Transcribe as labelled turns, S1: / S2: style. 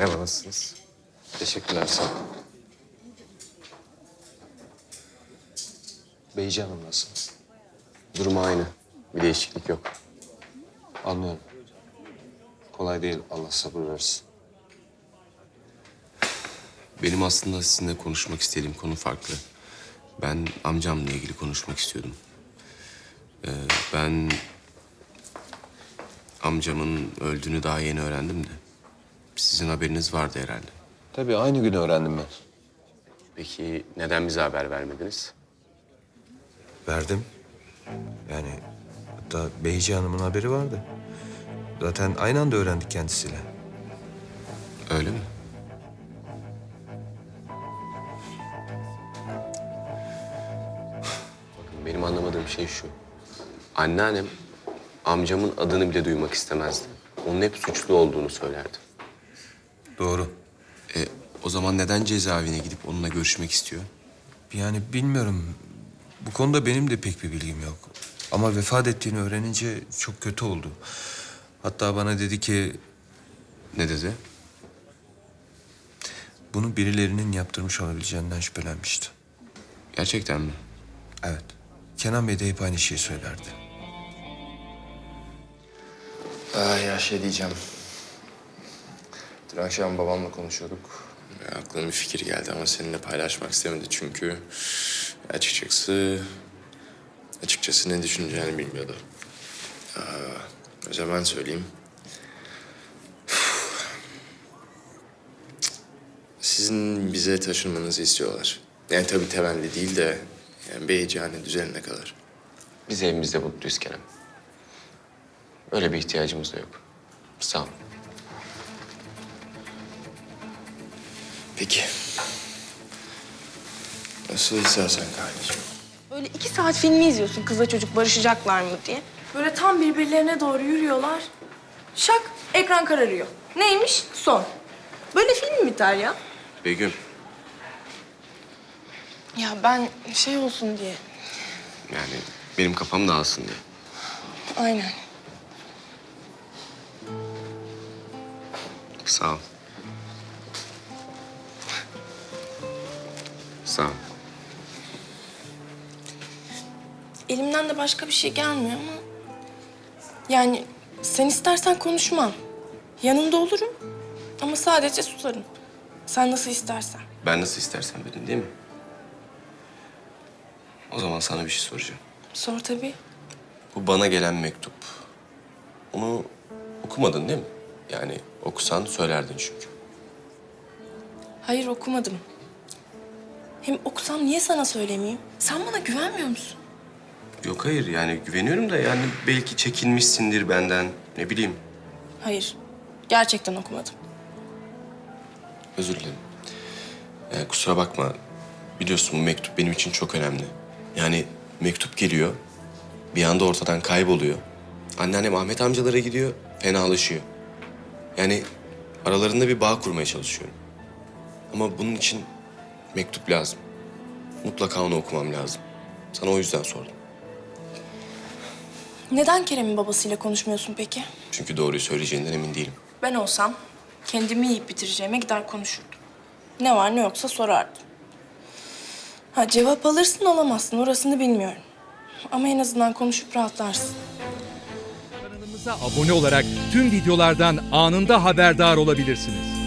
S1: Merhaba, nasılsınız?
S2: Teşekkürler, sağ ol.
S1: Beyci Hanım nasıl?
S2: Durumu aynı. Bir değişiklik yok.
S1: Anlıyorum. Kolay değil, Allah sabır versin.
S2: Benim aslında sizinle konuşmak istediğim konu farklı. Ben amcamla ilgili konuşmak istiyordum. Ben amcamın öldüğünü daha yeni öğrendim de. Sizin haberiniz vardı herhalde.
S1: Tabii aynı gün öğrendim ben.
S2: Peki neden bize haber vermediniz?
S1: Verdim. Yani hatta Beyci Hanım'ın haberi vardı. Zaten aynı anda öğrendik kendisiyle.
S2: Öyle mi? Bakın benim anlamadığım şey şu. Anneannem amcamın adını bile duymak istemezdi. Onun hep suçlu olduğunu söylerdi.
S1: Doğru.
S2: O zaman neden cezaevine gidip onunla görüşmek istiyor?
S1: Yani bilmiyorum. Bu konuda benim de pek bir bilgim yok. Ama vefat ettiğini öğrenince çok kötü oldu. Hatta bana dedi ki
S2: Ne dedi?
S1: bunu birilerinin yaptırmış olabileceğinden şüphelenmişti.
S2: Gerçekten mi?
S1: Evet. Kenan Bey de hep aynı şeyi söylerdi.
S3: Ya şey diyeceğim. Dün akşam babamla konuşuyorduk. Aklıma bir fikir geldi ama seninle paylaşmak istemedi çünkü açıkçası ne düşüneceğini bilmiyordu. O zaman söyleyeyim. Sizin bize taşınmanızı istiyorlar. Yani tabii temelli değil de yani Beyciğane düzenine kadar.
S2: Biz evimizde mutluyuz Kerem. Öyle bir ihtiyacımız da yok. Sağ ol.
S3: Peki. Nasıl istersen kardeşim.
S4: Böyle 2 saat filmi izliyorsun kızla çocuk barışacaklar mı diye. Böyle tam birbirlerine doğru yürüyorlar. Şak ekran kararıyor. Neymiş? Son. Böyle film mi biter ya?
S2: Begüm,
S4: Ya ben şey olsun diye.
S2: yani benim kafam dağılsın diye.
S4: Aynen.
S2: Sağ ol. Sağ ol.
S4: Elimden de başka bir şey gelmiyor ama... Yani sen istersen konuşmam. Yanında olurum ama sadece susarım. Sen nasıl istersen.
S2: Ben nasıl istersen dedin değil mi? O zaman sana bir şey soracağım.
S4: Sor tabii.
S2: Bu bana gelen mektup. Onu okumadın değil mi? Yani okusan söylerdin çünkü.
S4: Hayır okumadım. Hem okusam niye sana söylemeyeyim? Sen bana güvenmiyor musun?
S2: Yok hayır yani güveniyorum da yani belki çekinmişsindir benden. Ne bileyim.
S4: Hayır. Gerçekten okumadım.
S2: Özür dilerim. Kusura bakma. Biliyorsun bu mektup benim için çok önemli. Yani mektup geliyor. Bir anda ortadan kayboluyor. Anneannem Ahmet amcalara gidiyor. Fenalaşıyor. Yani aralarında bir bağ kurmaya çalışıyorum. Ama bunun için mektup lazım. Mutlaka onu okumam lazım. Sana o yüzden sordum.
S4: Neden Kerem'in babasıyla konuşmuyorsun peki?
S2: Çünkü doğruyu söyleyeceğinden emin değilim.
S4: Ben olsam kendimi yiyip bitireceğime gider konuşurdum. Ne var ne yoksa sorardım. Ha cevap alırsın alamazsın orasını bilmiyorum. Ama en azından konuşup rahatlarsın.
S5: Kanalımıza abone olarak tüm videolardan anında haberdar olabilirsiniz.